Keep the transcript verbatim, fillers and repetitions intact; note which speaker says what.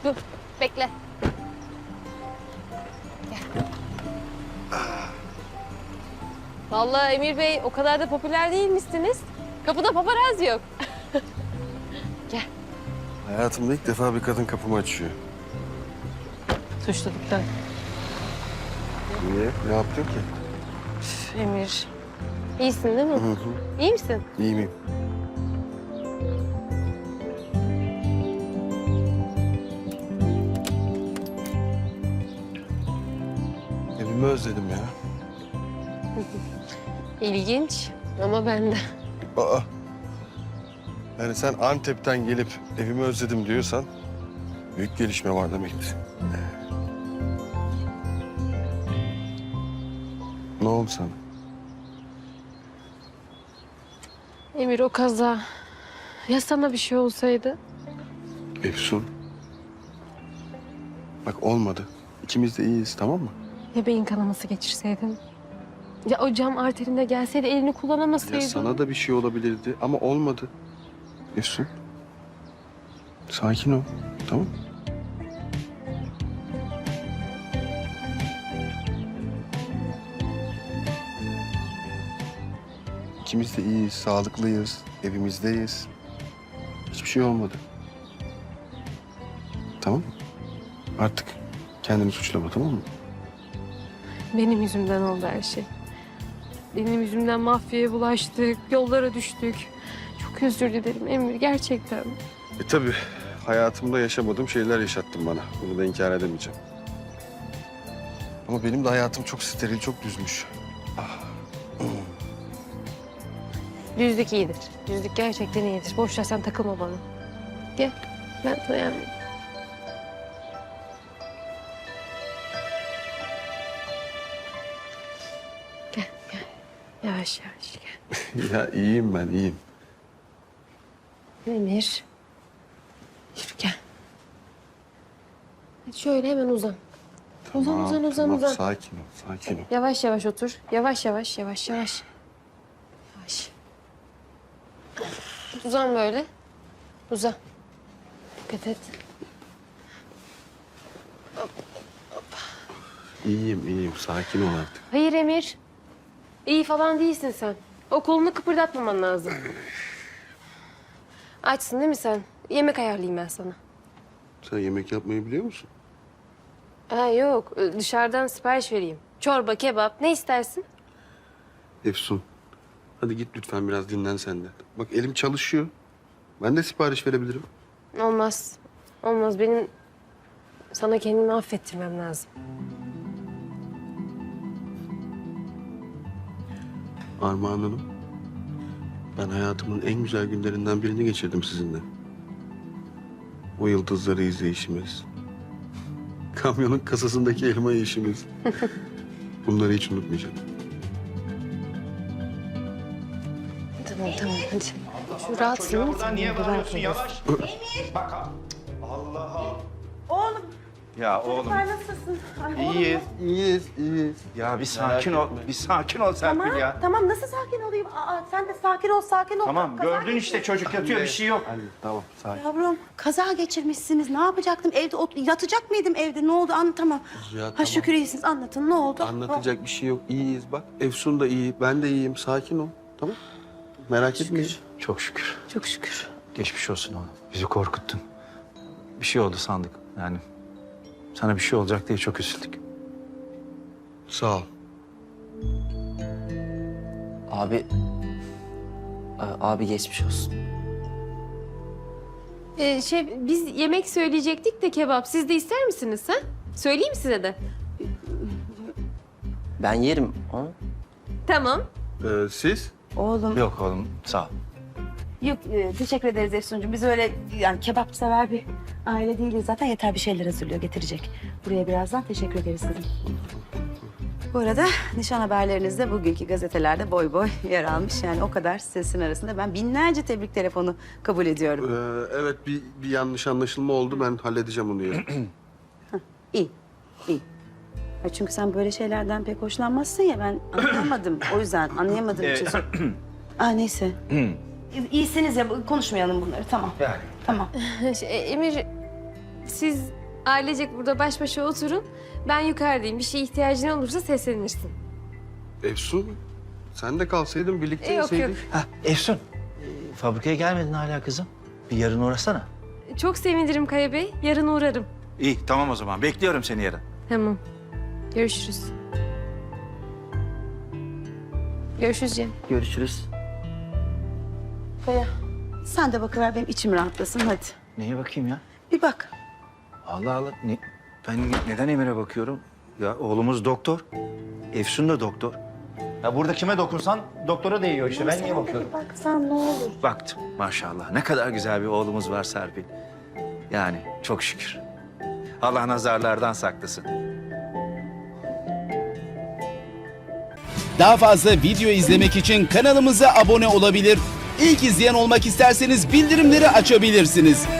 Speaker 1: dur. Bekle. Gel. Vallahi Emir Bey o kadar da popüler değilmişsiniz. Kapıda paparazzi yok. Gel.
Speaker 2: Hayatımda ilk defa bir kadın kapımı açıyor.
Speaker 1: Suçluluktan.
Speaker 2: Niye? Ne yaptın ki?
Speaker 1: Emir. İyisin değil mi?
Speaker 2: Hı hı.
Speaker 1: İyi misin?
Speaker 2: İyi miyim? Evimi özledim ya.
Speaker 1: İlginç ama ben de.
Speaker 2: Aa. Yani sen Antep'ten gelip evimi özledim diyorsan büyük gelişme var demektir. Ne oldu sana?
Speaker 1: Emir o kaza. Ya sana bir şey olsaydı?
Speaker 2: Efsun. Bak olmadı. İkimiz de iyiyiz, tamam mı?
Speaker 1: Ya beyin kanaması geçirseydin? Ya o cam arterinde gelseydi elini kullanamasaydın?
Speaker 2: Ya sana da bir şey olabilirdi ama olmadı. Efsun. Sakin ol, tamam mı? İkimiz de iyiyiz, sağlıklıyız, evimizdeyiz. Hiçbir şey olmadı. Tamam mı? Artık kendini suçlama, tamam mı?
Speaker 1: Benim yüzümden oldu her şey. Benim yüzümden mafyaya bulaştık, yollara düştük. Çok özür dilerim Emir, gerçekten.
Speaker 2: E tabii hayatımda yaşamadığım şeyler yaşattın bana. Bunu da inkar edemeyeceğim. Ama benim de hayatım çok steril, çok düzmüş.
Speaker 1: Düzlük iyidir. Düzlük gerçekten iyidir. Boş ver sen takılma bana. Gel, ben sana yardım edeyim. Gel, gel. Yavaş yavaş gel.
Speaker 2: Ya iyiyim ben, iyiyim.
Speaker 1: Emir. Yürü gel. Hadi şöyle hemen uzan. Uzan,
Speaker 2: Tamam,
Speaker 1: uzan, uzan,
Speaker 2: tamam.
Speaker 1: uzan.
Speaker 2: Sakin ol, sakin ol.
Speaker 1: Yavaş yavaş otur. Yavaş yavaş, yavaş yavaş. Yavaş. Uzan böyle. Uzan. Dikkat et.
Speaker 2: İyiyim, iyiyim. Sakin ol artık.
Speaker 1: Hayır Emir. İyi falan değilsin sen. O kolunu kıpırdatmaman lazım. Açsın değil mi sen? Yemek ayarlayayım ben sana.
Speaker 2: Sen yemek yapmayı biliyor musun?
Speaker 1: Ha yok. Dışarıdan sipariş vereyim. Çorba, kebap. Ne istersin?
Speaker 2: Efsun, hadi git lütfen biraz dinlen sen de. Bak elim çalışıyor. Ben de sipariş verebilirim.
Speaker 1: Olmaz. Olmaz. Benim sana kendimi affettirmem lazım.
Speaker 2: Armağan Hanım, ben hayatımın en güzel günlerinden birini geçirdim sizinle. O yıldızları izleyişimiz, kamyonun kasasındaki elma yiyişimiz. Bunları hiç unutmayacağım.
Speaker 1: Tamam tamam hadi. Şu rahatsın değil mi?
Speaker 3: Buradan niye
Speaker 1: Rahat
Speaker 3: bağırıyorsun
Speaker 1: ol.
Speaker 3: yavaş? Emir. Bak ha- Allah Allah.
Speaker 4: Oğlum,
Speaker 3: Ya oğlum
Speaker 4: çocuklar nasılsın? Ay, oğlum,
Speaker 3: iyiyiz.
Speaker 2: İyiyiz, iyiyiz.
Speaker 3: Ya bir sakin ol.
Speaker 2: etme.
Speaker 3: Bir sakin ol Serpil
Speaker 4: Tamam,
Speaker 3: ya.
Speaker 4: tamam. Nasıl sakin olayım? Aa, sen de sakin ol, sakin ol.
Speaker 3: Tamam
Speaker 4: Kaza
Speaker 3: gördün işte
Speaker 4: geçir-
Speaker 3: çocuk yatıyor bir şey yok.
Speaker 2: Anne, tamam, sakin.
Speaker 4: Yavrum, kaza geçirmişsiniz. Ne yapacaktım? Evde ot- yatacak mıydım evde? Ne oldu? Anlatamam.
Speaker 2: Ya,
Speaker 4: Ha
Speaker 2: tamam.
Speaker 4: şükür iyisiniz. Anlatın. Ne oldu?
Speaker 2: Anlatacak bir şey yok. İyiyiz bak. Efsun da iyi, ben de iyiyim. Sakin ol, tamam? Merak etmeyin.
Speaker 5: Çok şükür.
Speaker 1: Çok şükür.
Speaker 5: Geçmiş olsun oğlum. Bizi korkuttun. Bir şey oldu sandık. Yani sana bir şey olacak diye çok üzüldük.
Speaker 2: Sağ ol.
Speaker 6: Abi... A- Abi geçmiş olsun.
Speaker 1: Ee, şey biz yemek söyleyecektik de kebap. Siz de ister misiniz ha? Söyleyeyim size de.
Speaker 6: Ben yerim onu.
Speaker 1: Tamam.
Speaker 2: Ee, siz?
Speaker 4: Oğlum.
Speaker 5: Yok oğlum sağ ol.
Speaker 4: Yok, e, teşekkür ederiz Efsuncuğum. Biz öyle yani kebap sever bir aile değiliz. Zaten yeter bir şeyler hazırlıyor, getirecek. Buraya birazdan teşekkür ederiz kızım. Bu arada nişan haberleriniz de bugünkü gazetelerde boy boy yer almış. Yani o kadar sesin arasında ben binlerce tebrik telefonu kabul ediyorum.
Speaker 2: Ee, evet, bir, bir yanlış anlaşılma oldu. Ben halledeceğim onu ya.
Speaker 4: İyi, iyi. Ya çünkü sen böyle şeylerden pek hoşlanmazsın ya, ben anlayamadım. O yüzden anlayamadığım için. sor- Aa neyse. İyisiniz ya, konuşmayalım bunları, tamam.
Speaker 3: Yani.
Speaker 4: Tamam.
Speaker 1: Şey, Emir siz Ailecek burada baş başa oturun. Ben yukarıdayım. Bir şey ihtiyacın olursa seslenirsin.
Speaker 2: Efsun, sen de kalsaydın birlikte
Speaker 1: E, yok,
Speaker 2: yeseydik.
Speaker 1: yok.
Speaker 5: Ha Efsun, e, fabrikaya gelmedin hala kızım. Bir yarın uğrasana.
Speaker 1: Çok sevinirim Kaya Bey. Yarın uğrarım.
Speaker 5: İyi tamam o zaman. Bekliyorum seni yarın.
Speaker 1: Tamam. Görüşürüz. Görüşürüz Cem.
Speaker 6: Görüşürüz.
Speaker 4: Kaya sen de bakıver benim içim rahatlasın hadi.
Speaker 5: Neye bakayım ya?
Speaker 4: Bir bak.
Speaker 5: Allah Allah. Ne, ben neden Emir'e bakıyorum? Ya oğlumuz doktor. Efsun da doktor. Ya burada kime dokunsan doktora değiyor işte. Ben niye bakıyorum?
Speaker 4: Baksan ne olur.
Speaker 5: Baktım maşallah. Ne kadar güzel bir oğlumuz var Serpil. Yani çok şükür. Allah nazarlardan saklasın.
Speaker 7: Daha fazla video izlemek için kanalımıza abone olabilir. İlk izleyen olmak isterseniz bildirimleri açabilirsiniz.